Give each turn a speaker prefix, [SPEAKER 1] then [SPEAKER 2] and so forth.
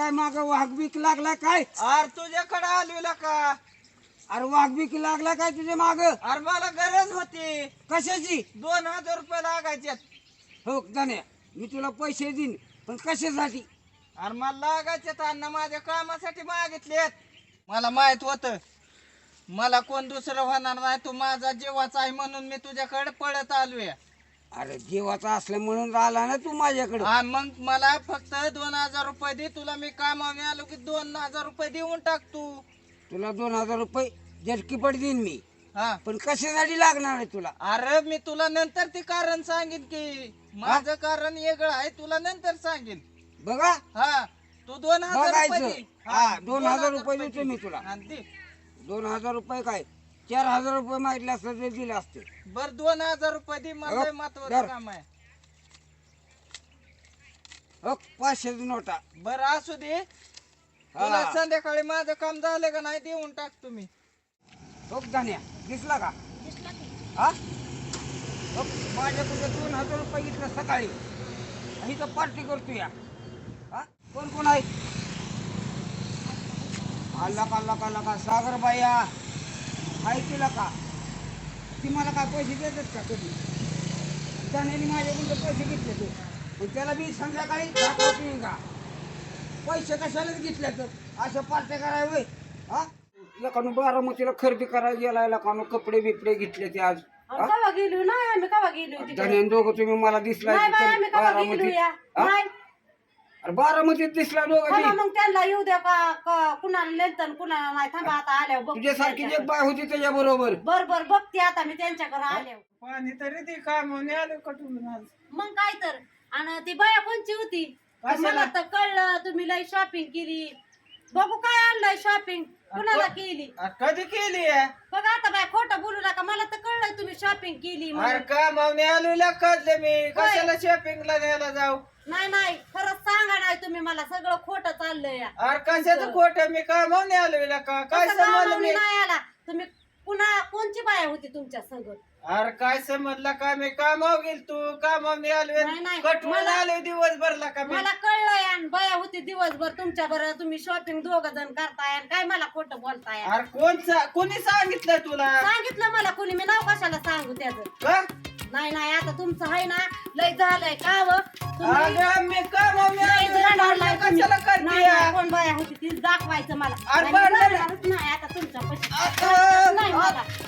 [SPEAKER 1] काय माग वाघबीक लागला काय?
[SPEAKER 2] अरे तुझ्याकडे आलेला का?
[SPEAKER 1] अरे वाघबीक लागला काय तुझ्या माग?
[SPEAKER 2] अरे मला गरज होती,
[SPEAKER 1] कशाची?
[SPEAKER 2] 2000 रुपये लागायचे.
[SPEAKER 1] हो जाण्या, मी तुला पैसे देईन, पण कशासाठी?
[SPEAKER 2] अरे मला लागायचे अण्णा, माझ्या कामासाठी मागितलेत. मला माहित होत मला कोण दुसरं होणार नाही, तू माझा जीवाचा आहे म्हणून मी तुझ्याकडे पळत आलोय.
[SPEAKER 1] अरे जीवाचा असल्या म्हणून आला ना तू माझ्याकडे.
[SPEAKER 2] हा मग मला फक्त 2000 रुपये दे, तुला मी कामाने आलो की 2000 रुपये देऊन टाक तू.
[SPEAKER 1] तुला 2000 रुपये झटकीपट देईन मी,
[SPEAKER 2] हा
[SPEAKER 1] पण कशासाठी लागणार आहे तुला?
[SPEAKER 2] अरे मी तुला नंतर ते कारण सांगेन की माझं कारण वेगळं आहे, तुला नंतर सांगेन.
[SPEAKER 1] बघा
[SPEAKER 2] हा तू 2000 रुपये
[SPEAKER 1] बघायचं.
[SPEAKER 2] दे.
[SPEAKER 1] हा 2000 रुपये देतो मी तुला.
[SPEAKER 2] आणि दे.
[SPEAKER 1] 2000 रुपये काय, 4000 रुपये मागितले असते ते दिले असते.
[SPEAKER 2] बर 2000 रुपये दे, मला लय महत्वाचं
[SPEAKER 1] धर.
[SPEAKER 2] काम आहे.
[SPEAKER 1] हो 500 नोटा.
[SPEAKER 2] बर असू दे, तुला
[SPEAKER 1] हा.
[SPEAKER 2] संध्याकाळी माझं काम झालं का नाही देऊन टाक तुम्ही.
[SPEAKER 1] हो जाण्या, दिसला का? हा हो, माझ्याकडे 2000 रुपये घेतलं सकाळी, आणि तर पार्टी करतो या. हा कोण कोण आहे? आला का सागर बाया आहे तिला का? ती मला काय पैसे देतात का कधी? जाण्याने माझ्याकडून पैसे घेतले ते, पण त्याला मी संध्याकाळी दाखवतो का पैसे कशालाच घेतले तर अशा पार्ट्या करावे. हा लकानो बारामतीला खरेदी करायला गेला, लकानो कपडे बिपडे घेतले ते आज.
[SPEAKER 3] कवा गेलो नाही आम्ही, कवा गेलो तिकडे?
[SPEAKER 1] जाण्याने दोघं तुम्ही मला दिसला
[SPEAKER 3] नाही बाई, आम्ही कवा गेलो
[SPEAKER 1] बारामतीत.
[SPEAKER 3] या?
[SPEAKER 1] हा?
[SPEAKER 3] नाही.
[SPEAKER 1] अरे बारामतीत दिसला दोघं
[SPEAKER 3] थांबा
[SPEAKER 1] ती.
[SPEAKER 3] मग त्यांना येऊ द्या का कुणाला नेलतं कुणाला नाही. थांबा आता आल्यावर बघते
[SPEAKER 1] तुझ्यासारखी एक
[SPEAKER 3] त्यांच्याकडे.
[SPEAKER 1] बाय होती त्याच्या बरोबर.
[SPEAKER 3] बर बर बघते आता मी त्यांच्याकडे आल्यावर.
[SPEAKER 2] पाणी तरी ते कामाने आलो कटून आज.
[SPEAKER 3] मग काय तर. आणि ती बाया कोणची होती?
[SPEAKER 2] कशाला?
[SPEAKER 3] मला तर कळलं तुम्ही लय शॉपिंग केली. बघू काय आणलंय शॉपिंग, कुणाला केली?
[SPEAKER 2] कधी केली आहे?
[SPEAKER 3] बघा आता बाय खोटं बोलू नका, मला तर कळलंय तुम्ही शॉपिंग केली
[SPEAKER 2] अरे
[SPEAKER 3] म्हणून.
[SPEAKER 2] कामाने आलेला कळलं मी, कशाला शॉपिंगला न्यायला जाऊ?
[SPEAKER 3] नाही नाही खरंच सांगा, नाही तुम्ही मला सगळं खोटं चाललंय या.
[SPEAKER 2] अरे कशाचं खोटं, मी कामाने आलेला का? काय
[SPEAKER 3] कसं
[SPEAKER 2] समजलं
[SPEAKER 3] कामावणी
[SPEAKER 2] मी?
[SPEAKER 3] नाही आला तुम्ही? पुन्हा कोणची बाया होती तुमच्या संग?
[SPEAKER 2] अरे काय समजलं का? मी कामावर गेल, तू कामाने आलोय,
[SPEAKER 3] नाही, नाही.
[SPEAKER 2] कटवून
[SPEAKER 3] मला-
[SPEAKER 2] आलोय दिवसभरला का मी?
[SPEAKER 3] मला कळलंय आणि बाया होती दिवसभर तुमच्या बरोबर, तुम्ही शॉपिंग दोघ जण करताय आणि काय मला खोटं बोलताय?
[SPEAKER 2] अरे कोणी सांगितलं तुला?
[SPEAKER 3] सांगितलं मला कुणी, मी नाव कशाला सांगू त्याचं?
[SPEAKER 2] का?
[SPEAKER 3] नाही नाही आता तुमचं आहे ना लय झालंय का व? तुम्ही
[SPEAKER 2] अगं मी कामाने
[SPEAKER 3] लय
[SPEAKER 2] आलोय,
[SPEAKER 3] जणांना तुम्ही-
[SPEAKER 2] कशाला
[SPEAKER 3] नाही,
[SPEAKER 2] करते?
[SPEAKER 3] नाही, कोण बाया होती ती दाखवायचं मला.
[SPEAKER 2] अरे
[SPEAKER 3] आणि
[SPEAKER 2] बरं, बरं.
[SPEAKER 3] जाणारच नाही आता तुमच्या
[SPEAKER 2] आता-
[SPEAKER 3] नाही मला.